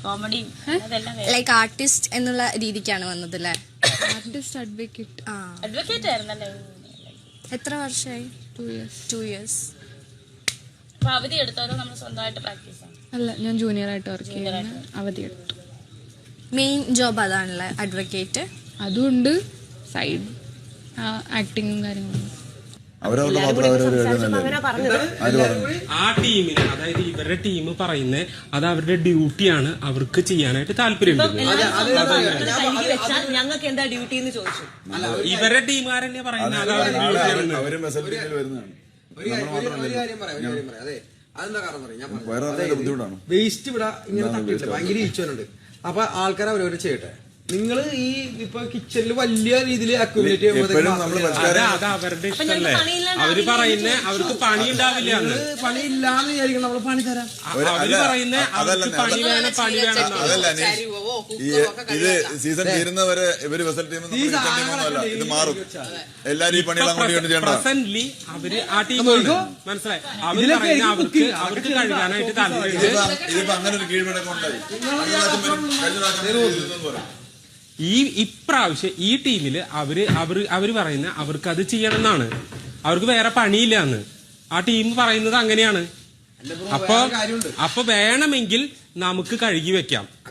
കോമഡിയും like artist എന്നുള്ള രീതിക്കാണ് വന്നത് അല്ലേ? Artist advocate. അഡ്വക്കേറ്റ് ആയിരുന്നല്ലേ? എത്ര വർഷമായി? 2 years. അപ്പൊ അവധി എടുത്താലും നമ്മൾ സ്വന്തമായിട്ട് പ്രാക്ടീസ് ആണ്? അല്ല, ഞാൻ ജൂനിയർ ആയിട്ട് വർക്ക് ചെയ്യുന്ന അവധി എടുത്തു. മെയിൻ ജോബ് അതാണല്ലേ അഡ്വക്കേറ്റ്? അതുകൊണ്ട് സൈഡ് ആക്ടിങ്ങും കാര്യങ്ങളും. ആ ടീമിന്, അതായത് ഇവരുടെ ടീം പറയുന്നത് അത് അവരുടെ ഡ്യൂട്ടിയാണ്, അവർക്ക് ചെയ്യാനായിട്ട് താല്പര്യമുണ്ട്. ഞങ്ങൾക്ക് എന്താ ഡ്യൂട്ടി എന്ന് ചോദിച്ചു. ഇവരുടെ ടീമുകാരല്ലേ പറയുന്നത് അത് അവരുടെ ബുദ്ധിമുട്ടാണ്. വേസ്റ്റ് ഇവിടെ ഇങ്ങനെ തട്ടിയിട്ടില്ല, ഭയങ്കര ഈച്ചോനുണ്ട്. അപ്പൊ ആൾക്കാർ അവരവരെ ചെയ്യട്ടെ. നിങ്ങൾ ഈ ഇപ്പൊ കിച്ചണിൽ വലിയ രീതിയിൽ അക്യുമുലേറ്റ് ചെയ്യുമ്പോൾ അത് അവരുടെ ഇഷ്ടമല്ലേ? അവര് പറയുന്ന അവർക്ക് പണി ഉണ്ടാവില്ല, പണി ഇല്ലാന്ന് വിചാരിക്കണം. നമ്മള് പണി തരാം. അവര് പറയുന്ന അവർക്ക് പണി വേണം, പണി വേണം. ഇത് സീസൺ തീരുന്നവരെ ഇവര് വെസൽ ടീം ഇത് മാറും. എല്ലാരും ഈ പണികൾ പ്രസന്റ്ലി അവര് ആ ടീമാണ്, മനസ്സിലായി? അവര് പറയുന്ന അവർക്ക് കഴുകാനായിട്ട് താല്പര്യം. ഇതിപ്പോ അങ്ങനെ ഒരു കീഴ്വഴക്കം ഉണ്ടായി. ഇപ്രാവശ്യം ഈ ടീമില് അവര് പറയുന്ന അവർക്ക് അത് ചെയ്യണം എന്നാണ്, അവർക്ക് വേറെ പണിയില്ല എന്ന് ആ ടീം പറയുന്നത് അങ്ങനെയാണ്. അപ്പൊ വേണമെങ്കിൽ നമുക്ക് കഴുകി വെക്കാം.